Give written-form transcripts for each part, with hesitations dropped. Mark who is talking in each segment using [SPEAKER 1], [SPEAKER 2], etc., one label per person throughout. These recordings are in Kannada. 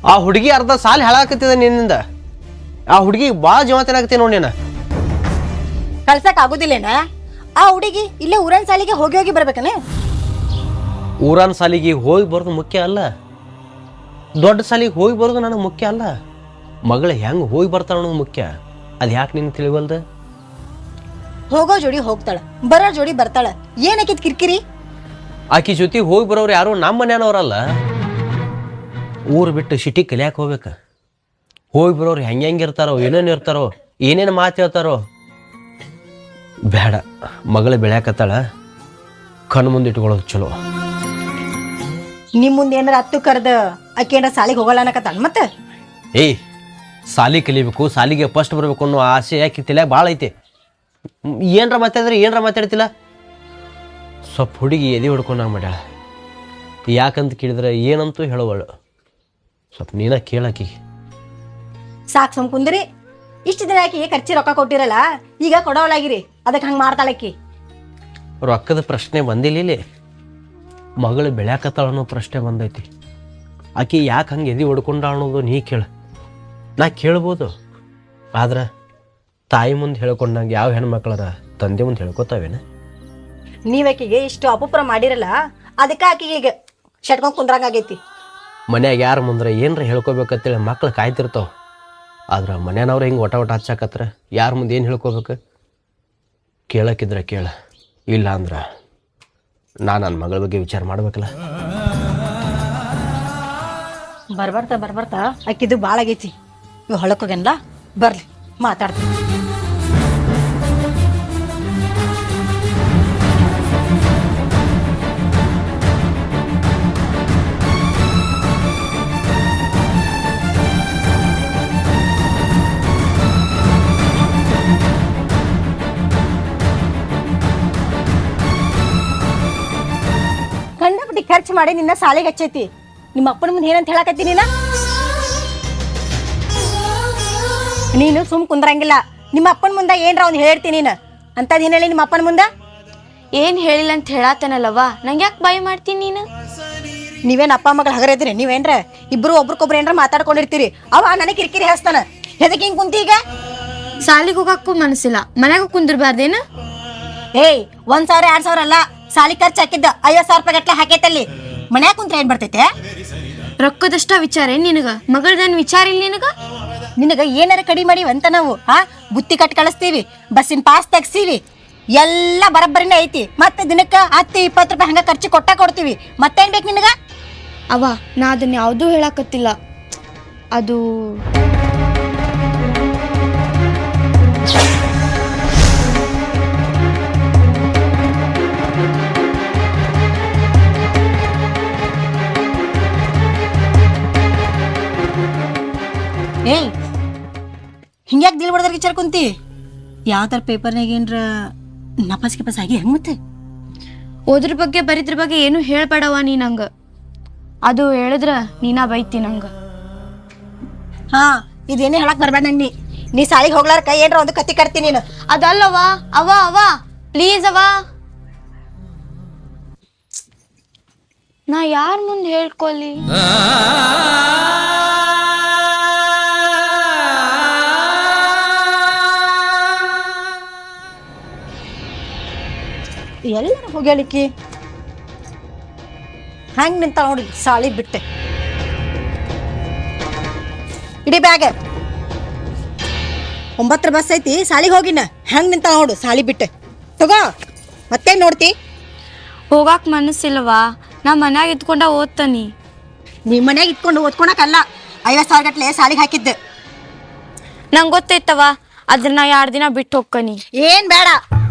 [SPEAKER 1] ಆ ಹುಡುಗಿ ಅರ್ಧ ಸಾಲ ಹೇಳಾಕತ್ತಿದ ನಿನ್ನಿಂದ. ಆ ಹುಡುಗಿ ಭಾಳ ಜೀವಂತನಾಗತ್ತೆ ನೋಡಿ ನೀನು.
[SPEAKER 2] ಕಳ್ಸಕ್ ಆಗುದಿಲ್ಲೇನ? ಆ ಹುಡುಗಿ ಇಲ್ಲೇ ಊರನ್ ಸಾಲಿಗೆ ಹೋಗಿ ಹೋಗಿ ಬರ್ಬೇಕನೆ.
[SPEAKER 1] ಊರನ್ ಸಾಲಿಗೆ ಹೋಗಿ ಬರೋದು ಮುಖ್ಯ ಅಲ್ಲ, ದೊಡ್ಡ ಸಾಲಿಗೆ ಹೋಗಿ ಬರೋದು ನನಗೆ ಮುಖ್ಯ ಅಲ್ಲ. ಮಗಳು ಹೆಂಗೆ ಹೋಗಿ ಬರ್ತಾಳ ಅನ್ನೋದು ಮುಖ್ಯ. ಅದು ಯಾಕೆ ನಿನ್ನ ತಿಳಿವಲ್ದ?
[SPEAKER 2] ಹೋಗೋ ಜೋಡಿ ಹೋಗ್ತಾಳ, ಬರೋ ಜೋಡಿ ಬರ್ತಾಳ. ಏನಕ್ಕಿದ್ ಕಿರಿಕಿರಿ?
[SPEAKER 1] ಆಕಿ ಜೊತೆ ಹೋಗಿ ಬರೋರು ಯಾರು ನಮ್ಮ ಮನೆಯವ್ರಲ್ಲ. ಊರು ಬಿಟ್ಟು ಸಿಟಿ ಕಲಿಯಾಕೆ ಹೋಗ್ಬೇಕು. ಹೋಗಿ ಬರೋರು ಹೆಂಗಿರ್ತಾರೋ, ಏನೇನು ಇರ್ತಾರೋ, ಏನೇನು ಮಾತು ಹೇಳ್ತಾರೋ ಬೇಡ. ಮಗಳು ಬೆಳ್ಯಾಕತ್ತಾಳ, ಕಣ್ಣು ಮುಂದೆ ಇಟ್ಕೊಳ್ಳೋದು ಚಲೋ.
[SPEAKER 2] ನಿಮ್ ಮುಂದೆ ಏನಾರ ಹತ್ತು ಕರೆದ ಆಕೆ ಏನಾರ ಸಾಲಿಗೆ ಹೋಗಲ್ಲ ಅನ್ನಕತ್ತಾಳ ಮತ್ತೆ?
[SPEAKER 1] ಏಯ್, ಸಾಲಿ ಕಲಿಬೇಕು, ಸಾಲಿಗೆ ಫಸ್ಟ್ ಬರಬೇಕು ಅನ್ನೋ ಆಸೆ ಯಾಕೆ ತಲೆಯಾಗ ಭಾಳ ಐತೆ. ಏನರ ಮಾತಾಡಿದ್ರೆ ಏನರ ಮಾತಾಡ್ತಿಲ್ಲ. ಸ್ವಲ್ಪ ಹುಡುಗಿ ಎದೆ ಹೊಡ್ಕೊಂಡಾಗ ಮಾಡ್ಯಾಳ. ಯಾಕಂತ ಕೇಳಿದ್ರೆ ಏನಂತೂ ಹೇಳೋವಳು. ಸ್ವಲ್ಪ ನೀನ ಕೇಳಾಕಿ.
[SPEAKER 2] ಸಾಕು ಸುಮ್ ಕುಂದ್ರಿ. ಇಷ್ಟು ದಿನ ಆಕಿಗೆ ಖರ್ಚಿ ರೊಕ್ಕ ಕೊಟ್ಟಿರಲ್ಲ, ಈಗ ಕೊಡೋಲಾಗಿರಿ. ಅದಕ್ಕೆ ಹಂಗೆ ಮಾಡ್ತಾಳಕ್ಕಿ.
[SPEAKER 1] ರೊಕ್ಕದ ಪ್ರಶ್ನೆ ಬಂದಿಲ್ಲ ಇಲ್ಲಿ. ಮಗಳು ಬೆಳ್ಯಾಕತ್ತಾಳ ಅನ್ನೋ ಪ್ರಶ್ನೆ ಬಂದೈತಿ. ಆಕಿ ಯಾಕೆ ಹಂಗೆ ಎದೆ ಹೊಡ್ಕೊಂಡ ಅನ್ನೋದು ನೀ ಕೇಳ. ನಾ ಕೇಳ್ಬೋದು, ಆದ್ರೆ ತಾಯಿ ಮುಂದೆ ಹೇಳ್ಕೊಂಡಂಗೆ ಯಾವ ಹೆಣ್ಮಕ್ಳರ ತಂದೆ ಮುಂದೆ ಹೇಳ್ಕೊತಾವೇನ?
[SPEAKER 2] ನೀವಾಕಿಗೆ ಇಷ್ಟು ಅಪುಪ್ರ ಮಾಡಿರಲ್ಲ, ಅದಕ್ಕೆ ಆಕಿಗೆ ಈಗ ಶಟ್ಕೊಂಡ್ ಕುಂದ್ರಂಗಾಗೈತಿ.
[SPEAKER 1] ಮನ್ಯಾಗ ಯಾರ ಮುಂದ್ರೆ ಏನರ ಹೇಳ್ಕೊಬೇಕಂತೇಳಿ ಮಕ್ಳು ಕಾಯ್ತಿರ್ತಾವ. ಆದ್ರೆ ಮನ್ಯಾನವ್ರು ಹಿಂಗೆ ಒಟ ಹಚ್ಚಾಕತ್ರ ಯಾರ ಮುಂದೆ ಏನು ಹೇಳ್ಕೊಬೇಕು? ಕೇಳಕ್ಕಿದ್ರೆ ಕೇಳ, ಇಲ್ಲ ಅಂದ್ರೆ ನನ್ನ ಮಗಳ ಬಗ್ಗೆ ವಿಚಾರ ಮಾಡ್ಬೇಕಲ್ಲ.
[SPEAKER 2] ಬರ್ಬರ್ತಾ ಆಕಿದು ಭಾಳ ಆಗೈತಿ. ಇವ್ ಹೊಳಕೋಗೇನಲ್ಲ, ಬರ್ಲಿ ಮಾತಾಡ್ತೀನಿ. ಕಂಡಪಟ್ಟಿ ಖರ್ಚು ಮಾಡಿ ನಿನ್ನ ಸಾಲಿಗೆ ಹಚ್ಚೈತಿ. ನಿಮ್ಮ ಅಪ್ಪನ ಮುಂದೆ ಏನಂತ ಹೇಳಕತ್ತಿ ನೀನು ಸುಮ್ ಕುಂದ್ರಂಗಿಲ್ಲ. ನಿಮ್ಮ ಅಪ್ಪನ ಮುಂದೆ ಏನ್ರ ಅವ್ನು ಹೇಳ್ತೀನಿ ನೀನು ಅಂತದ್ ಏನ್ ಹೇಳಿ ನಿಮ್ಮ ಅಪ್ಪನ ಮುಂದೆ?
[SPEAKER 3] ಏನ್ ಹೇಳಿಲ್ಲ ಅಂತ ಹೇಳಾತನಲ್ಲವ್ವ, ನಂಗೆ ಯಾಕೆ ಬಾಯಿ ಮಾಡ್ತೀನಿ ನೀನು?
[SPEAKER 2] ನೀವೇನ್ ಅಪ್ಪ ಮಗಳು ಹಗರ ಇದ್ರಿ? ನೀವೇನ್ರ ಇಬ್ರು ಒಬ್ರಿಗೊಬ್ರು ಏನ್ರ ಮಾತಾಡ್ಕೊಂಡಿರ್ತೀರಿ. ಅವ ನನಗೆ ಕಿರಿಕಿರಿ ಹೇಳ್ತಾನ. ಎದಕ್ಕೆ ಹಿಂಗ್ ಕುಂತಿ ಈಗ?
[SPEAKER 3] ಸಾಲಿಗೆ ಹೋಗಕ್ಕೂ ಮನಸ್ಸಿಲ್ಲ, ಮನ್ಯಾಗ ಕುಂದಿರ್ಬಾರ್ದೇನು?
[SPEAKER 2] ಏಯ್, 1,000 2,000 ಅಲ್ಲ, ಸಾಲಿ ಖರ್ಚು ಹಾಕಿದ್ದ 50,000 ರೂಪಾಯಿ ಗಟ್ಲೆ ಹಾಕೈತಲ್ಲಿ. ಮನ್ಯಾಗ ಕುಂತ್ರ ಏನ್ ಬರ್ತೈತೆ?
[SPEAKER 3] ರೊಕ್ಕದಷ್ಟ ವಿಚಾರ ಏನ್ ನಿನಗ? ಮಗಳದನ್ ವಿಚಾರ ಇಲ್ಲ ನಿನಗ?
[SPEAKER 2] ನಿನಗ ಏನಾರ ಕಡಿಮೆ ಮಾಡಿವಿ ಅಂತ ನಾವು ಬುತ್ತಿ ಕಟ್ ಕಳಿಸ್ತೀವಿ, ಬಸ್ಸಿನ ಪಾಸ್ ತೆಗ್ಸೀವಿ, ಎಲ್ಲ ಬರಬ್ಬರಿನೇ ಐತಿ. ಮತ್ತೆ ದಿನಕ್ಕೆ 10-20 ರೂಪಾಯಿ ಹಂಗ ಖರ್ಚು ಕೊಡ್ತೀವಿ. ಮತ್ತೇನ್ ಬೇಕು ನಿನಗ?
[SPEAKER 3] ಅವ್ವ, ನಾ ಅದನ್ನ ಯಾವುದೂ ಹೇಳಕತ್ತಿಲ್ಲ. ಅದು
[SPEAKER 2] ಏಯ್, ಹಿಂಗ್ಯಾಕೆ ದಿಲ್ ಬಡ್ದಾರ ವಿಚಾರ ಕುಂತಿ? ಯಾವ ಥರ ಪೇಪರ್ನಾಗ ಏನ್ರ ನಪಾಸ್ ಆಗಿ ಹೆಂಗ್ ಮತ್ತೆ?
[SPEAKER 3] ಓದ್ರ ಬಗ್ಗೆ ಬರಿದ್ರ ಬಗ್ಗೆ ಏನು ಹೇಳ್ಬೇಡವ ನೀ ನಂಗ. ಅದು ಹೇಳಿದ್ರ ನೀನಾ ಬೈತಿ ನಂಗ.
[SPEAKER 2] ಇದೇನೇ ಹೇಳಕ್ ಬರ್ಬೇಡ ನೀ ಸಾಲಿಗೆ ಹೋಗ್ಲಾರ್ಕ ಏನ್ರ ಒಂದು ಕತ್ತಿ ಕಟ್ತೀನಿ ನೀನು.
[SPEAKER 3] ಅದಲ್ಲವಾ ಅವ ಪ್ಲೀಸ್ ಅವ, ನಾ ಯಾರ ಮುಂದೆ ಹೇಳ್ಕೊಲ್ಲಿ?
[SPEAKER 2] ಎಲ್ಲರ ಹೋಗ್ಯಾಳಿಕ್ಕಿ ಹಂಗ್ ನಿಂತ ನೋಡಿ ಸಾಲಿ ಬಿಟ್ಟೆ. ಇಡೀ ಬ್ಯಾಗ್ 9 ಬಸ್ ಐತಿ, ಸಾಲಿಗೆ ಹೋಗಿನ ಹೆಂಗ್ ನಿಂತ ನೋಡು ಸಾಲಿ ಬಿಟ್ಟೆ. ತಗೋ, ಮತ್ತೇನ್ ನೋಡ್ತಿ?
[SPEAKER 3] ಹೋಗಾಕ್ ಮನಸ್ಸಿಲ್ವಾ? ನಾ ಮನ್ಯಾಗ ಇದ್ಕೊಂಡ ಓದ್ತಾನಿ.
[SPEAKER 2] ನಿಮ್ಮ ಮನ್ಯಾಗ ಇಟ್ಕೊಂಡು ಓದ್ಕೊಳಕಲ್ಲ, 50,000 ಗಟ್ಲೆ ಸಾಲಿಗೆ ಹಾಕಿದ್ದೆ.
[SPEAKER 3] ನಂಗೆ ಗೊತ್ತೈತವ, ಅದ್ರ ನಾ 2 ದಿನ ಬಿಟ್ಟು ಹೋಗ್ಕನಿ.
[SPEAKER 2] ಏನ್ ಬೇಡ.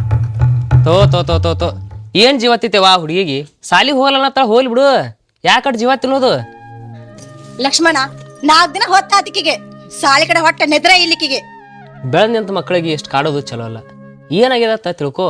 [SPEAKER 4] ತೋ ಏನ್ ಜೀವ ತಿತ್ತೇವಾ ಹುಡುಗಿಗೆ? ಸಾಲಿಗೆ ಹೋಗಲ್ಲ ಹೋಗ್ಲಿ ಬಿಡು, ಯಾಕಟ್ ಜೀವ ತಿನ್ನೋದು?
[SPEAKER 2] ಲಕ್ಷ್ಮಣ, 4 ದಿನ ಹೊತ್ತಾತಿಕಿಗೆ ಸಾಲಿ ಕಡೆ ಹೊಟ್ಟೆ ನೆದ್ರ ಇಲ್ಲಿಕಿಗೆ.
[SPEAKER 4] ಬೆಳೆದ ನಿಂತ ಮಕ್ಕಳಿಗೆ ಎಷ್ಟು ಕಾಡೋದು ಚಲೋ ಅಲ್ಲ. ಏನಾಗ್ಯದ ತಿಳ್ಕೊ.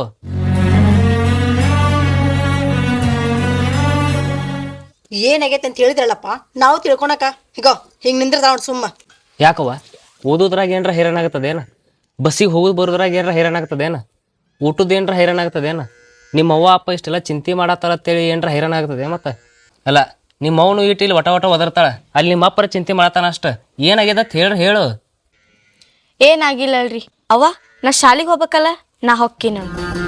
[SPEAKER 2] ಏನಾಗೈತೆ ಅಂತ ಹೇಳಿದ್ರಲ್ಲಪ್ಪ, ನಾವು ತಿಳ್ಕೊಳಕ ಈಗ ಹಿಂಗ್ ನಿಂದ್ರದ ನೋಡ್ ಸುಮ್ಮ.
[SPEAKER 4] ಯಾಕವ್ವ, ಓದೋದ್ರಾಗ ಏನ್ರ ಹೈರಾಣ ಆಗತ್ತದೇನ? ಬಸ್ಸಿಗೆ ಹೋಗೋದು ಬರೋದ್ರಾಗ ಏನ್ರ ಹೈರಾಣ ಆಗ್ತದೇನ? ಊಟದ ಏನ್ರ ಹೈರಾಣ ಆಗ್ತದೇನ? ನಿಮ್ಮ ಅವ್ವ ಅಪ್ಪ ಇಷ್ಟೆಲ್ಲ ಚಿಂತೆ ಮಾಡತ್ತಾರ ಅಂತೇಳಿ ಏನ್ರ ಹೈರಾಣ ಆಗ್ತದೆ? ಮತ್ತೆ ಅಲ್ಲ, ನಿಮ್ಮ ಅವನು ಇಟ್ಟು ಇಲ್ಲಿ ವಟ ವಟ ಒದರ್ತಾಳ ಅಲ್ಲಿ ನಿಮ್ಮ ಅಪ್ಪರ ಚಿಂತೆ ಮಾಡ್ತಾನ ಅಷ್ಟ ಏನಾಗ್ಯದ ಅಂತ ಹೇಳು
[SPEAKER 3] ಏನಾಗಿಲ್ಲಲ್ರಿ ಅವ್ವ ನಾ ಶಾಲಿಗೆ ಹೋಗ್ಬೇಕಲ್ಲ ನಾ ಹೊಕ್ಕಿನ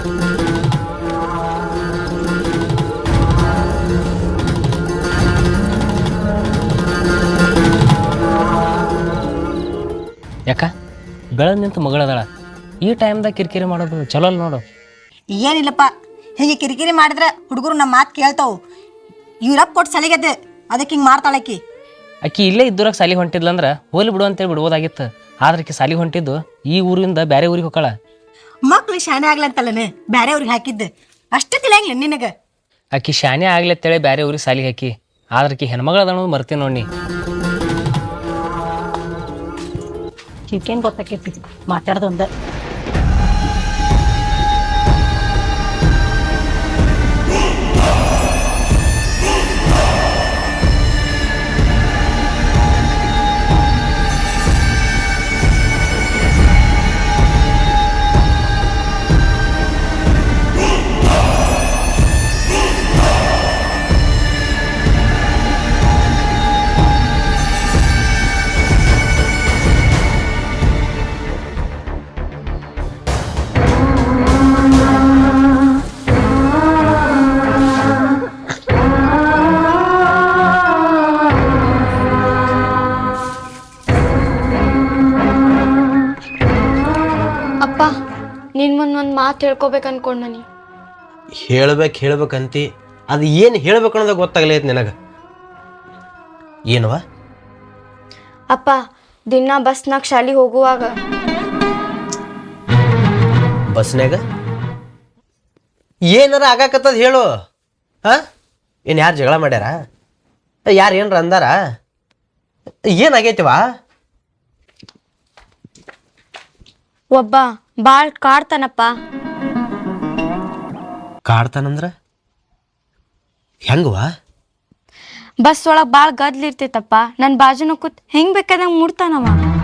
[SPEAKER 4] ಯಾಕ ಬೆಳೆದ್ ನಿಂತು ಮಗಳದಾಳ ಈ ಟೈಮ್ದಾಗ ಕಿರಿಕಿರಿ ಮಾಡೋದು ಚಲೋ ಅಲ್ಲ ನೋಡು.
[SPEAKER 2] ಏನಿಲ್ಲಪ್ಪ, ಹೀಗೆ ಕಿರಿಕಿರಿ ಮಾಡಿದ್ರೆ ಹುಡುಗರು ನಮ್ಮ ಮಾತು ಕೇಳ್ತಾವು. ಇವ್ರಪ್ಪ ಕೊಟ್ಟು ಸಲಿಗತ್ತೆ, ಅದಕ್ಕೆ ಹಿಂಗೆ ಮಾಡ್ತಾಳಕ್ಕಿ.
[SPEAKER 4] ಆಕಿ ಇಲ್ಲೇ ಇದ್ದೂರಾಗ ಸಾಲಿ ಹೊಂಟಿದ್ಲಂದ್ರ ಹೋಲಿ ಬಿಡು ಅಂತೇಳಿ ಬಿಡ್ಬೋದಾಗಿತ್ತು. ಆದ್ರೆ ಆಕಿ ಸಾಲಿ ಹೊಂಟಿದ್ದು ಈ ಊರಿಂದ ಬೇರೆ ಊರಿಗೆ ಹೋಗಾಳ.
[SPEAKER 2] ಮಕ್ಳು ಶಾಣೆ ಆಗ್ಲಂತಲ್ಲನೆ ಬೇರೆ ಅವ್ರಿಗೆ ಹಾಕಿದ್ದು ಅಷ್ಟೇ ತಿಳಿಯಂಗಿಲ್ಲ ನಿನಗೆ.
[SPEAKER 4] ಆಕಿ ಶಾನೆ ಆಗ್ಲತ್ತೇಳಿ ಬೇರೆ ಊರಿಗೆ ಸಾಲಿಗೆ ಹಾಕಿ, ಆದ್ರೆ ಆಕಿ ಹೆಣ್ಮಗಳ ಅನ್ನೋದು ಮರ್ತೀನಿ ನೋಡಿ.
[SPEAKER 2] ಈಗೇನು ಗೊತ್ತಾಕೈತಿ ಮಾತಾಡ್ದೊಂದ.
[SPEAKER 3] ಅಪ್ಪ ನಿನ್ ಮುಂದ್ ಒಂದ್ ಮಾತು ಹೇಳ್ಕೊಬೇಕು ಅನ್ಕೊಂಡ್ ನಾನು.
[SPEAKER 1] ಹೇಳ್ಬೇಕಂತಿ, ಅದು ಏನು ಹೇಳ್ಬೇಕು ಅನ್ನೋದು ಗೊತ್ತಾಗ್ಲೈತಿ ನಿನಗೆ. ಏನವ?
[SPEAKER 3] ಅಪ್ಪ ದಿನ ಬಸ್ನಾಗ ಶಾಲಿಗೆ ಹೋಗುವಾಗ
[SPEAKER 1] ಬಸ್ನಾಗ ಏನಾರ ಆಗಾಕತ್ತದ ಹೇಳು. ಹಾಂ, ಏನು ಯಾರು ಜಗಳ ಮಾಡ್ಯಾರ? ಯಾರು ಏನ್ರ ಅಂದಾರ? ಏನಾಗೈತಿವಾ?
[SPEAKER 3] ಒಬ್ಬ ಬಾಳ್ ಕಾಡ್ತಾನಪ್ಪ.
[SPEAKER 1] ಕಾಡ್ತಾನಂದ್ರ ಹೆಂಗವಾ?
[SPEAKER 3] ಬಸ್ ಒಳಗ್ ಬಾಳ್ ಗದ್ಲಿರ್ತೈತಪ್ಪ. ನನ್ ಬಾಜುನ ಕೂತ್ ಹೆಂಗ್ ಬೇಕಾದಂಗ ಮುಡ್ತಾನವ.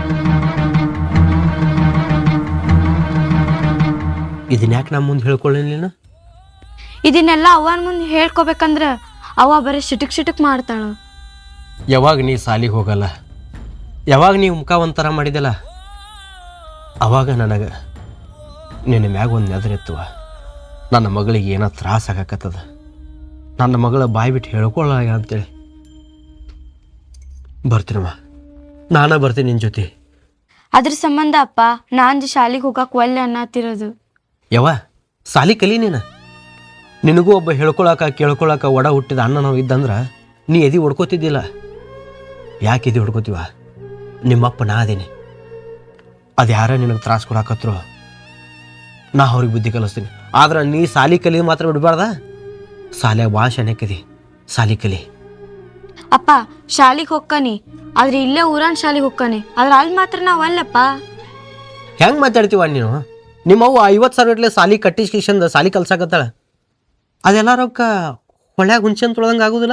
[SPEAKER 1] ಇದನ್ನ ಯಾಕೆ ನಮ್ಮ ಮುಂದೆ ಹೇಳ್ಕೊಳ್ಳಿಲ್ಲ?
[SPEAKER 3] ಇದನ್ನೆಲ್ಲ ಅವನ್ ಮುಂದೆ ಹೇಳ್ಕೊಬೇಕಂದ್ರ ಅವ ಬರೀ ಸಿಟಕ್ ಮಾಡ್ತಾಳ.
[SPEAKER 1] ಯಾವಾಗ ನೀ ಸಾಲಿಗೆ ಹೋಗಲ್ಲ, ಯಾವಾಗ ನೀವು ಮುಖ ಒಂಥರ ಮಾಡಿದಲ್ಲ, ಅವಾಗ ನನಗೆ ನಿನ್ನ ಮ್ಯಾಗ ಒಂದು ನೆದರೆತ್ತುವ. ನನ್ನ ಮಗಳಿಗೆ ಏನೋ ತ್ರಾಸ ಆಗಾಕತ್ತದ, ನನ್ನ ಮಗಳ ಬಾಯಿ ಬಿಟ್ಟು ಹೇಳ್ಕೊಳ್ಳ ಅಂತೇಳಿ ಬರ್ತೀನಮ್ಮ. ನಾನೇ ಬರ್ತೀನಿ ನಿನ್ನ ಜೊತೆ.
[SPEAKER 3] ಅದ್ರ ಸಂಬಂಧ ಅಪ್ಪ ನಾನ್ ಶಾಲಿಗೆ ಹೋಗಕ್ ಒಲ್ಲೆ ಅನ್ನತ್ತಿರೋದು.
[SPEAKER 1] ಯವ್ವ, ಸಾಲಿ ಕಲಿ ನೀನು. ನಿನಗೂ ಒಬ್ಬ ಕೇಳ್ಕೊಳಕ ಒಡ ಹುಟ್ಟಿದ ಅಣ್ಣ ನಾವು ಇದ್ದಂದ್ರೆ ನೀ ಎದಿ ಹೊಡ್ಕೋತಿದ್ದಿಲ್ಲ. ಯಾಕೆ ಎದಿ ಹೊಡ್ಕೋತೀವ? ನಿಮ್ಮಪ್ಪ ನಾ ಅದೇನೆ. ಅದು ಯಾರ ನಿನಗೆ ತ್ರಾಸ ಕೊಡಾಕತ್ರು ನಾ ಅವ್ರಿಗೆ ಬುದ್ಧಿ ಕಲಿಸ್ತೀನಿ. ಆದ್ರೆ ನೀ ಸಾಲಿ ಕಲಿ ಮಾತ್ರ ಬಿಡಬಾರ್ದ. ಸಾಲ್ಯಾಗ ಭಾಳ ಶಾನ್ಯಾಕದಿ, ಸಾಲಿ ಕಲಿ.
[SPEAKER 3] ಅಪ್ಪ ಶಾಲಿಗೆ ಹೋಗ್ಕನಿ, ಆದ್ರೆ ಇಲ್ಲೇ ಊರನ್ ಶಾಲಿಗೆ ಹೋಗ್ಕನಿ, ಆದ್ರೆ ಅಲ್ಲಿ ಮಾತ್ರ ನಾವ್ ಅಲ್ಲಪ್ಪ.
[SPEAKER 1] ಹೆಂಗೆ ಮಾತಾಡ್ತೀವ ನೀನು? ನಿಮ್ಮವ್ವ 50,000 ಗಟ್ಲೆ ಸಾಲಿ ಕಟ್ಟಿಸ್ಕಿಶಂದ ಸಾಲಿ ಕಲ್ಸಾಕತ್ತಾಳ. ಅದೆಲ್ಲ ರೊಕ್ಕ ಹೊಳ್ಯಾಗ ಹುಂಚೆನ್ ತೊಳ್ದಂಗೆ ಆಗೋದಿಲ್ಲ.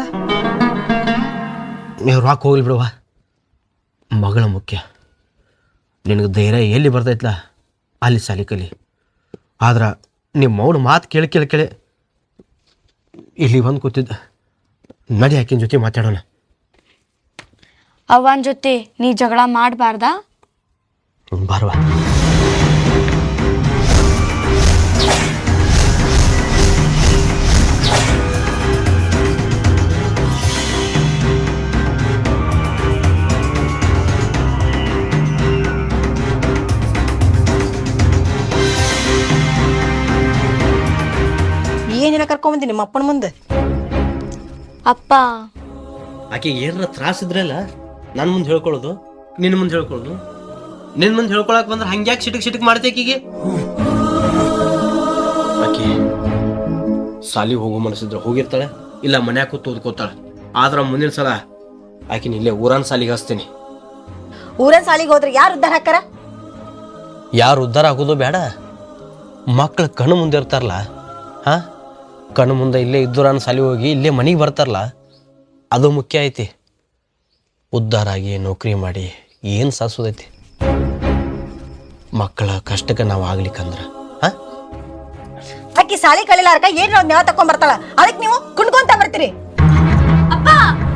[SPEAKER 1] ನೀವು ರೊಕ್ಕ ಹೋಗ್ಲಿ ಬಿಡುವ, ಮಗಳ ಮುಖ್ಯ. ನಿನಗೆ ಧೈರ್ಯ ಎಲ್ಲಿ ಬರ್ತೈತ್ಲ ಅಲ್ಲಿ ಸಾಲಿ ಕಲಿ. ಆದ್ರೆ ನಿಮ್ಮ ಮೌನ ಮಾತು ಕೇಳಿ ಇಲ್ಲಿ ಬಂದು ಕೂತಿದ್ದ. ನಡಿ ಆಕಿನ ಜೊತೆ ಮಾತಾಡೋಣ.
[SPEAKER 3] ಅವನ್ ಜೊತೆ ನೀ ಜಗಳ ಮಾಡಬಾರ್ದಾ?
[SPEAKER 1] ಬಾರ್ವಾ.
[SPEAKER 2] ಏನಿಲ್ಲ ಕರ್ಕೊಂಬಂದಿ ನಿಮ್ಮ ಅಪ್ಪನ ಮುಂದೆ.
[SPEAKER 3] ಅಪ್ಪ
[SPEAKER 1] ಆಕೆಗೆ ಏನಾರ ತ್ರಾಸಿದ್ರಲ್ಲ ನನ್ನ ಮುಂದೆ ಹೇಳ್ಕೊಳ್ಳೋದು, ನಿನ್ನ ಮುಂದೆ ಹೇಳ್ಕೊಳ್ಳೋದು. ನಿನ್ನ ಮುಂದೆ ಹೇಳ್ಕೊಳಕ್ ಬಂದ್ರೆ ಹಂಗ್ಯಾಕೆ ಸಿಟಕ್ ಮಾಡ್ತೇಕೀಗೆ? ಆಕೆ ಸಾಲಿ ಹೋಗೋ ಮನಸ್ಸಿದ್ರೆ ಹೋಗಿರ್ತಾಳೆ, ಇಲ್ಲ ಮನ್ಯಾಗ ಕೂತು ಓದ್ಕೋತಾಳೆ. ಆದ್ರೆ ಮುಂದಿನ ಸಲ ಆಕಿನ ಇಲ್ಲೇ ಊರನ್ ಸಾಲಿಗೆ ಹಚ್ತೀನಿ.
[SPEAKER 2] ಊರನ್ ಸಾಲಿಗೆ ಹೋದ್ರೆ ಯಾರು ಉದ್ದಾರ ಹಾಕಾರ?
[SPEAKER 1] ಯಾರು ಉದ್ಧಾರ ಆಗೋದು ಬೇಡ, ಮಕ್ಳು ಕಣ್ಣು ಮುಂದೆ ಇರ್ತಾರಲ್ಲ. ಹಾಂ, ಕಣ್ಣು ಮುಂದೆ ಇಲ್ಲೇ ಇದ್ದೂರನ್ ಸಾಲಿ ಹೋಗಿ ಇಲ್ಲೇ ಮನೆಗೆ ಬರ್ತಾರಲ್ಲ, ಅದು ಮುಖ್ಯ ಐತಿ. ಉದ್ಧಾರ ಆಗಿ ನೌಕರಿ ಮಾಡಿ ಏನು ಸಾಸೋದೈತಿ? ಮಕ್ಕಳ ಕಷ್ಟಕ್ಕೆ ನಾವು ಆಗ್ಲಿಕ್ಕಂದ್ರೆ ಹಾಂ,
[SPEAKER 2] ಅಕ್ಕಿ ಸಾಲಿ ಕಲಿಲಾರ್ಕ ಏನ್ ನ್ಯಾವ ತಕೊಂಡ್ ಬರ್ತಾಳ, ಅದಕ್ಕೆ ನೀವು ಕುಣ್ಕೊಂತ ಬರ್ತೀರಿ.
[SPEAKER 3] ಅಪ್ಪ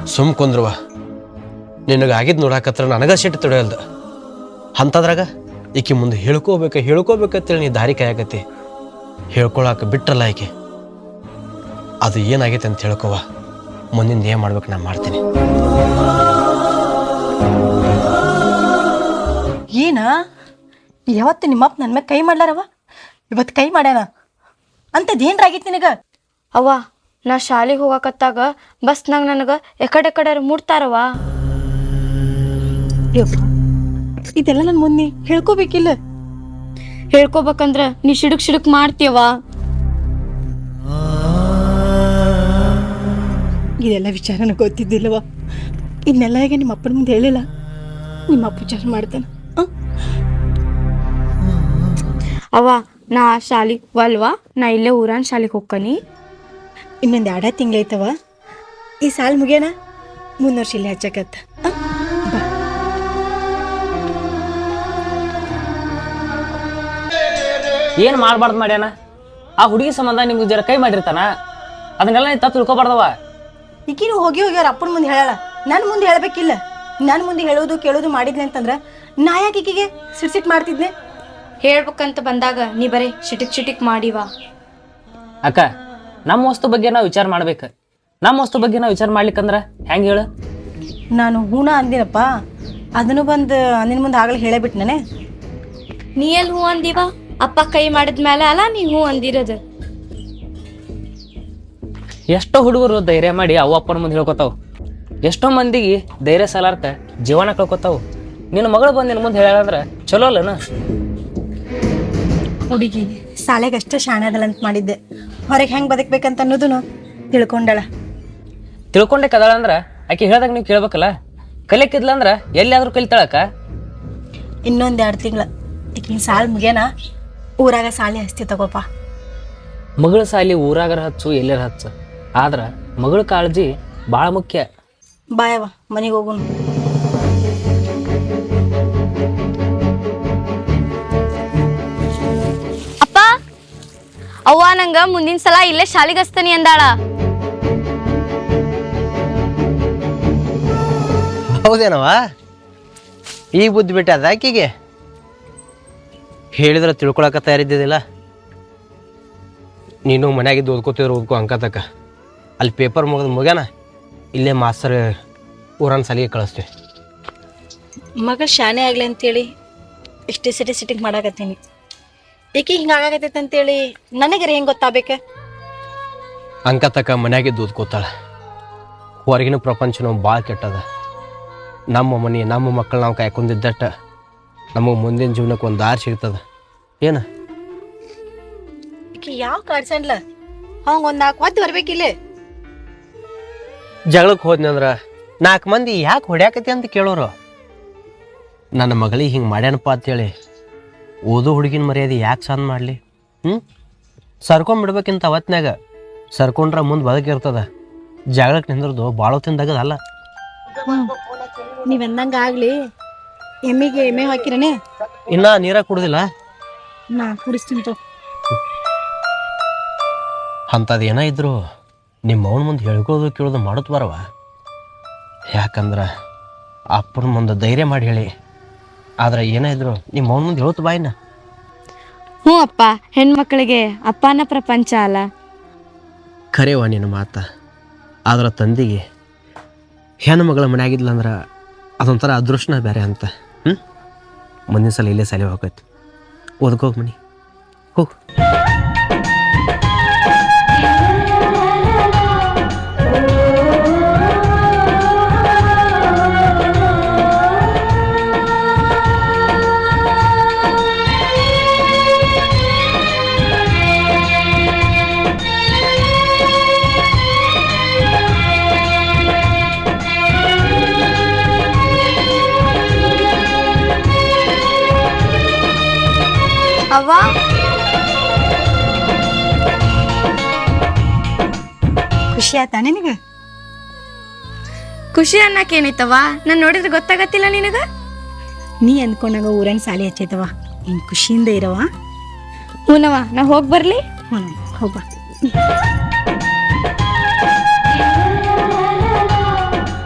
[SPEAKER 1] ಸುಮ್ ಕುಂದ್ರುವ ನಿನಗೆ ಆಗಿದ್ದು ನೋಡಾಕತ್ರ ನನಗ ಸಿಟ್ಟು ತೊಡೆಯಲ್ದು ಅಂಥದ್ರಾಗ ಈಕೆ ಮುಂದೆ ಹೇಳ್ಕೋಬೇಕಂತೇಳಿ ನೀ ದಾರಿ ಕಾಯಕತ್ತಿ ಹೇಳ್ಕೊಳಕ್ಕೆ ಬಿಟ್ರಲ್ಲ ಈಕೆ ಅದು ಏನಾಗೈತೆ ಅಂತ ಹೇಳ್ಕೊವ ಮುಂದಿಂದ ಏನು ಮಾಡ್ಬೇಕು ನಾನು ಮಾಡ್ತೀನಿ.
[SPEAKER 2] ಏನ ಯಾವತ್ತು ನಿಮ್ಮಪ್ಪ ನನ್ನ ಮ್ಯಾಗ ಕೈ ಮಾಡ್ಲಾರವ ಇವತ್ತು ಕೈ ಮಾಡ್ಯಾನ ಅಂಥದ್ದೇನ್ರಾಗಿತ್ತು ನಿನಗ?
[SPEAKER 3] ಅವ್ವ ನಾ ಶಾಲೆಗೆ ಹೋಗಕತ್ತಾಗ ಬಸ್ನಾಗ ನನಗೆ ಎಕಡೆ ಮುಡ್ತಾರವ.
[SPEAKER 2] ಯಪ್ಪ ಇದೆಲ್ಲ ನನ್ನ ಮುಂದೆ ಹೇಳ್ಕೋಬೇಕಿಲ್ಲ?
[SPEAKER 3] ಹೇಳ್ಕೊಬೇಕಂದ್ರ ನೀ ಸಿಡುಕ್ ಮಾಡ್ತೀಯವ.
[SPEAKER 2] ಇದೆಲ್ಲ ವಿಚಾರ ನನಗೆ ಗೊತ್ತಿದ್ದಿಲ್ಲವ. ಇದನ್ನೆಲ್ಲ ಈಗ ನಿಮ್ಮ ಅಪ್ಪನ ಮುಂದೆ ಹೇಳಿಲ್ಲ. ನಿಮ್ಮ ಅಪ್ಪ ವಿಚಾರ ಮಾಡ್ತಾನೆ.
[SPEAKER 3] ಅವ್ವ ನಾ ಶಾಲಿಗೆ ವಲ್ವಾ, ನಾ ಇಲ್ಲೇ ಊರಾನ್ ಶಾಲಿಗೆ ಹೋಗ್ಕನಿ.
[SPEAKER 2] ಇನ್ನೊಂದು 2 ತಿಂಗಳೈತವ. ಈ ಸಾಲ್ ಮುಗಿಯೋಣ, ಮುಂದಿನ ವರ್ಷ ಇಲ್ಲಿ ಹಚ್ಚಕತ್ತ.
[SPEAKER 4] ಏನು ಮಾಡಬಾರ್ದು ಮಾಡ್ಯಾನ? ಆ ಹುಡುಗಿ ಸಂಬಂಧ ನಿಮ್ಗೆ ಜರ ಕೈ ಮಾಡಿರ್ತಾನ, ಅದನ್ನೆಲ್ಲ ನೀ ತಪ್ಪು ತಿಳ್ಕೊಬಾರ್ದವ.
[SPEAKER 2] ಈಕಿನೂ ಹೋಗಿ ಅವ್ರ ಅಪ್ಪನ ಮುಂದೆ ಹೇಳಲ್ಲ, ನನ್ನ ಮುಂದೆ ಹೇಳಬೇಕಿಲ್ಲ. ನನ್ನ ಮುಂದೆ ಹೇಳೋದು ಕೇಳೋದು ಮಾಡಿದ್ನಿ ಅಂತಂದ್ರೆ ನಾ ಯಾಕೆ ಈಕಿಗೆ ಸಿಟ್ ಮಾಡ್ತಿದ್ನೆ?
[SPEAKER 3] ಹೇಳ್ಬೇಕಂತ ಬಂದಾಗ ನೀ ಬರೀ ಚಿಟಿಕ್ ಮಾಡಿವ.
[SPEAKER 4] ಅಕ್ಕ, ನಮ್ಮ ವಸ್ತು ಬಗ್ಗೆ ನಾವು ವಿಚಾರ ಮಾಡ್ಬೇಕು. ನಮ್ಮ ವಸ್ತು ಬಗ್ಗೆ ನಾವು ವಿಚಾರ ಮಾಡ್ಲಿಕ್ಕಂದ್ರೆ ಹೆಂಗೆ ಹೇಳು?
[SPEAKER 2] ನಾನು ಹೂಣ ಅಂದಿನಪ್ಪ, ಅದನ್ನು ಬಂದು ನಿನ್ನ ಮುಂದೆ ಆಗಲೇ ಹೇಳೇಬಿಟ್ಟು ನಾನೇ.
[SPEAKER 3] ನೀ ಎಲ್ಲಿ ಹೂ ಅಂದಿವ? ಅಪ್ಪ ಕೈ ಮಾಡಿದ್ಮೇಲೆ ಅಲ್ಲ ನೀ ಹೂ ಅಂದಿರೋದು.
[SPEAKER 4] ಎಷ್ಟೋ ಹುಡುಗರು ಧೈರ್ಯ ಮಾಡಿ ಅವ ಅಪ್ಪನ ಮುಂದೆ ಹೇಳ್ಕೊತಾವ. ಎಷ್ಟೋ ಮಂದಿಗೆ ಧೈರ್ಯ ಸಾಲಾರ್ಕ ಜೀವನ ಕಳ್ಕೊತಾವು. ನಿನ್ನ ಮಗಳು ಬಂದು ನಿನ್ನ ಮುಂದೆ ಹೇಳಂದ್ರೆ ಚಲೋ ಅಲ್ಲನ?
[SPEAKER 2] ಹುಡುಗಿ ಶಾಲೆಗೆ ಅಷ್ಟೇ ಶಾಣೆ ಅದಲ್ಲ ಅಂತ ಮಾಡಿದ್ದೆ. ಹೊರಗೆ ಹೆಂಗೆ ಬದುಕ್ಬೇಕಂತ ಅನ್ನೋದನ್ನು ತಿಳ್ಕೊಂಡಳ.
[SPEAKER 4] ತಿಳ್ಕೊಂಡೆ ಕದಾಳ ಅಂದ್ರೆ ಆಕೆ ಹೇಳ್ದಾಗ ನೀವು ಕೇಳ್ಬೇಕಲ್ಲ. ಕಲಿಯಕ್ಕಿದ್ಲ ಅಂದ್ರೆ ಎಲ್ಲಿಯಾದ್ರೂ ಕಲಿತಾಳಕ್ಕ.
[SPEAKER 2] ಇನ್ನೊಂದು 2 ತಿಂಗಳ ಈಗಿನ ಸಾಲ್ ಮುಗಿಯೋಣ, ಊರಾಗ ಸಾಲಿ ಹಸ್ತಿ ತಗೋಪ.
[SPEAKER 4] ಮಗಳ ಸಾಲಿ ಊರಾಗರ ಹಚ್ಚು ಎಲ್ಲರ ಹಚ್ಚು, ಆದ್ರೆ ಮಗಳ ಕಾಳಜಿ ಭಾಳ ಮುಖ್ಯ.
[SPEAKER 2] ಬಾಯವ ಮನೆಗೆ ಹೋಗೋಣ.
[SPEAKER 3] ಅಪ್ಪ ಅವ್ವ ನಂಗ ಮುಂದಿನ ಸಲ ಇಲ್ಲೇ ಶಾಲಿಗೆ ಹಚ್ತಾನಿ ಅಂದಾಳ.
[SPEAKER 1] ಹೌದೇನವ? ಈಗ ಬುದ್ಧಿ ಬಿಟ್ಟೆ ಅದ ಆಕಿಗೆ? ಹೇಳಿದ್ರೆ ತಿಳ್ಕೊಳಕ ತಯಾರಿದ್ದಿದ್ದಿಲ್ಲ. ನೀನು ಮನ್ಯಾಗಿದ್ದು ಓದ್ಕೋ ಅಂಕತಕ್ಕ. ಅಲ್ಲಿ ಪೇಪರ್ ಮುಗ್ಯಾನ, ಇಲ್ಲೇ ಮಾಸ್ತರ್ ಊರನ್ನ ಸಾಲಿಗೆ ಕಳಿಸ್ತೀವಿ.
[SPEAKER 2] ಮಗ ಶಾನೆ ಆಗ್ಲಿ ಅಂತೇಳಿ ಇಷ್ಟೇ ಸಿಟಿಂಗ್ ಮಾಡಾಕತ್ತೀನಿ. ಏಕೆ ಹಿಂಗೆ ಆಗಾಕತ್ತೈತೆ ಅಂತೇಳಿ ನನಗರ ಹೆಂಗೆ ಗೊತ್ತಾಗಬೇಕು?
[SPEAKER 1] ಅಂಕತಕ್ಕ ಮನ್ಯಾಗಿದ್ದು ಓದ್ಕೋತಾಳೆ. ಹೊರಗಿನ ಪ್ರಪಂಚನೂ ಭಾಳ ಕೆಟ್ಟದ. ನಮ್ಮ ಮನೆ ನಮ್ಮ ಮಕ್ಕಳು ನಾವು ಕಾಯ್ಕೊಂಡಿದ್ದಟ್ಟ ನಮಗೆ ಮುಂದಿನ ಜೀವನಕ್ಕೆ ಒಂದು ದಾರಿ ಸಿಗ್ತದ. ಏನು
[SPEAKER 2] ಈಕೆ ಯಾವ ಕಾಡ್ಸಣ್ಲ ಅವಂಗೆ ಒಂದು 4 ಒದ್ದು ಬರ್ಬೇಕಿಲ್ಲ.
[SPEAKER 1] ಜಗಳಕ್ಕೆ ಹೋದ್ನಿ ಅಂದ್ರೆ 4 ಮಂದಿ ಯಾಕೆ ಹೊಡ್ಯಾಕತಿ ಅಂತ ಕೇಳೋರು. ನನ್ನ ಮಗಳಿಗೆ ಹಿಂಗೆ ಮಾಡ್ಯಾನಪ್ಪ ಅಂತೇಳಿ ಓದೋ ಹುಡುಗಿನ ಮರ್ಯಾದೆ ಯಾಕೆ ಚಂದ ಮಾಡಲಿ? ಸರ್ಕೊಂಬಿಡ್ಬೇಕಿಂತ ಅವತ್ನಾಗ ಸರ್ಕೊಂಡ್ರೆ ಮುಂದೆ ಬದುಕಿರ್ತದ. ಜಗಳಕ್ಕೆ ನಿಂದ್ರದು ಭಾಳ ಹೊತ್ತಿಂದಾಗದಲ್ಲ.
[SPEAKER 2] ನೀವೆಂದಂಗೆ ಆಗಲಿ. ಎಮ್ಮೆ ಹಾಕಿರನೇ?
[SPEAKER 1] ಇನ್ನ ನೀರ ಕುಡ್ದಿಲ್ಲ.
[SPEAKER 2] ನಾ ಕುಡಿಸ್ತೀನಿ.
[SPEAKER 1] ಅಂಥದ್ದು ಏನೋ ಇದ್ರು ನಿಮ್ಮ ಅವನ ಮುಂದೆ ಹೇಳ್ಕೊಳ್ಳೋದು ಕೇಳೋದು ಮಾಡೋದು ಬರವ. ಯಾಕಂದ್ರೆ ಅಪ್ಪನ ಮುಂದೆ ಧೈರ್ಯ ಮಾಡಿ ಹೇಳಿ. ಆದ್ರೆ ಏನೇ ಇದ್ರು ನಿಮ್ಮ ಅವನ ಮುಂದೆ ಹೇಳುತ್ತ ಬಾಯಿನ.
[SPEAKER 3] ಹ್ಞೂ ಅಪ್ಪ, ಹೆಣ್ಮಕ್ಳಿಗೆ ಅಪ್ಪನ ಪ್ರಪಂಚ ಅಲ್ಲ.
[SPEAKER 1] ಖರೇವ ನಿನ್ನ ಮಾತ. ಆದ್ರೆ ತಂದೆಗೆ ಹೆಣ್ಣು ಮಗಳ ಮನೆಯಾಗಿದ್ಲಂದ್ರೆ ಅದೊಂಥರ ಅದೃಷ್ಟನ ಬೇರೆ ಅಂತ. ಮುಂದಿನ ಸಲ ಇಲ್ಲೇ ಸಾಲಿ ಹೋಗೈತಿ. ಓದ್ಕೋಗಿ ಮನಿ ಹೋಗು.
[SPEAKER 3] ಅವ್ವ
[SPEAKER 2] ಖುಷಿ ಆಯ್ತಾ ನಿನಗೆ?
[SPEAKER 3] ಖುಷಿ ಅನ್ನಕ್ಕೆ ಏನೈತವ? ನಾನು ನೋಡಿದ್ರೆ ಗೊತ್ತಾಗತ್ತಿಲ್ಲ ನಿನಗ?
[SPEAKER 2] ನೀ ಅಂದ್ಕೊಂಡಾಗ ಊರನ್ ಸಾಲಿ ಹಚ್ಚೈತವ. ನೀನು ಖುಷಿಯಿಂದ ಇರವ.
[SPEAKER 3] ಹೂನವ, ನಾ ಹೋಗಿ ಬರ್ಲಿ?
[SPEAKER 2] ಹೋಗ.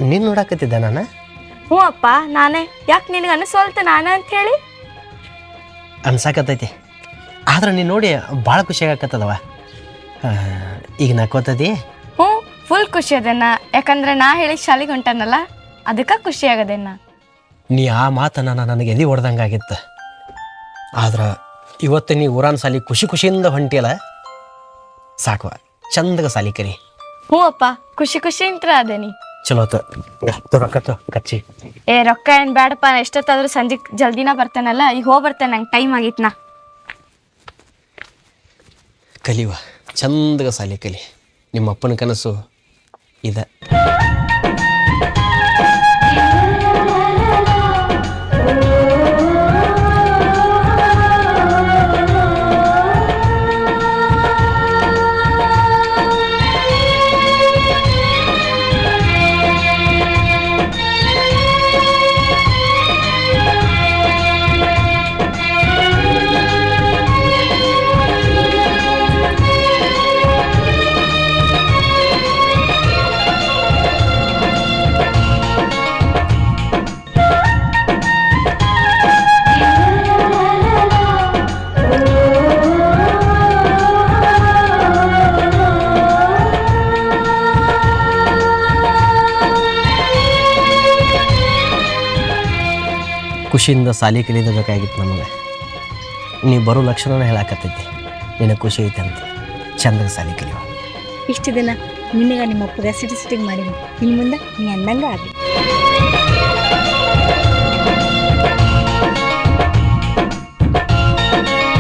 [SPEAKER 1] ನಿನ್ನ ನೋಡಾಕತ್ತಿದ್ದ ನಾನು
[SPEAKER 3] ಹ್ಞೂ ಅಪ್ಪ ನಾನೇ. ಯಾಕೆ ನಿನಗೆ ಅನಿಸೋಲ್ತ ನಾನೇ ಅಂತ ಹೇಳಿ?
[SPEAKER 1] ಅನ್ಸಾಕತ್ತೈತಿ. ಆದ್ರೆ ನೀನು ನೋಡಿ ಭಾಳ ಖುಷಿ ಆಗಕತ್ತದವ. ಈಗ ನಕ್ಕೋತದಿ?
[SPEAKER 3] ಹ್ಞೂ, ಫುಲ್ ಖುಷಿ ಅದೇನ. ಯಾಕಂದ್ರೆ ನಾ ಹೇಳಿ ಶಾಲೆಗೆ ಹೊಂಟಾನಲ್ಲ, ಅದಕ್ಕೆ ಖುಷಿ ಆಗದೇನ.
[SPEAKER 1] ನೀ ಆ ಮಾತನ್ನ ನನಗೆ ಎದೆ ಹೊಡೆದಂಗಾಗಿತ್ತು. ಆದ್ರೆ ಇವತ್ತು ನೀ ಊರಾನ ಸಾಲಿ ಖುಷಿಯಿಂದ ಹೊಂಟಿಯಲ್ಲ, ಸಾಕುವ ಚಂದಗ ಸಾಲಿ ಕರಿ.
[SPEAKER 3] ಹ್ಞೂ ಅಪ್ಪ, ಖುಷಿ ಅಂತ ಅದೇನಿ.
[SPEAKER 1] ಚಲೋ ರೊಕ್ಕ ಕಚ್ಚಿ.
[SPEAKER 3] ರೊಕ್ಕ ಏನು ಬೇಡಪ್ಪ, ಎಷ್ಟೊತ್ತಾದ್ರೂ ಸಂಜೆ ಜಲ್ದಿನ ಬರ್ತೇನಲ್ಲ, ಈಗ ಹೋಗಿ ಬರ್ತೇನೆ, ನಂಗೆ ಟೈಮ್ ಆಗಿತ್ತು. ನಾ
[SPEAKER 1] ಕಲಿವ ಚಂದಗ ಸಾಲಿ ಕಲಿ. ನಿಮ್ಮ ಅಪ್ಪನ ಕನಸು ಇದೆ. ಖುಷಿಯಿಂದ ಸಾಲಿ ಕಲಿಯಬೇಕಾಗಿತ್ತು ನಮಗೆ. ನೀ ಬರೋ ಲಕ್ಷಣನ ಹೇಳಾಕತ್ತೈತಿ. ನಿನಗೆ ಖುಷಿ ಐತೆ ಅಂತ ಚಂದಾಗ ಸಾಲಿ ಕಲಿಯುವ.
[SPEAKER 2] ಇಷ್ಟು ದಿನ ನಿನಗ ನಿಮ್ಮ ಅಪ್ಪಗ ಸಿಟಿಂಗ್ ಮಾಡೀನಿ. ಇನ್ನು ಮುಂದೆ ನೀ ಅಂದಂಗ ಆಗಲಿ.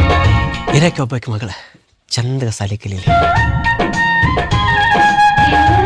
[SPEAKER 1] ಇರಕ್ಕೆ ಒಬ್ಬಾಕಿ ಮಗಳ ಚಂದಗ ಸಾಲಿ ಕಲೀಲಿ.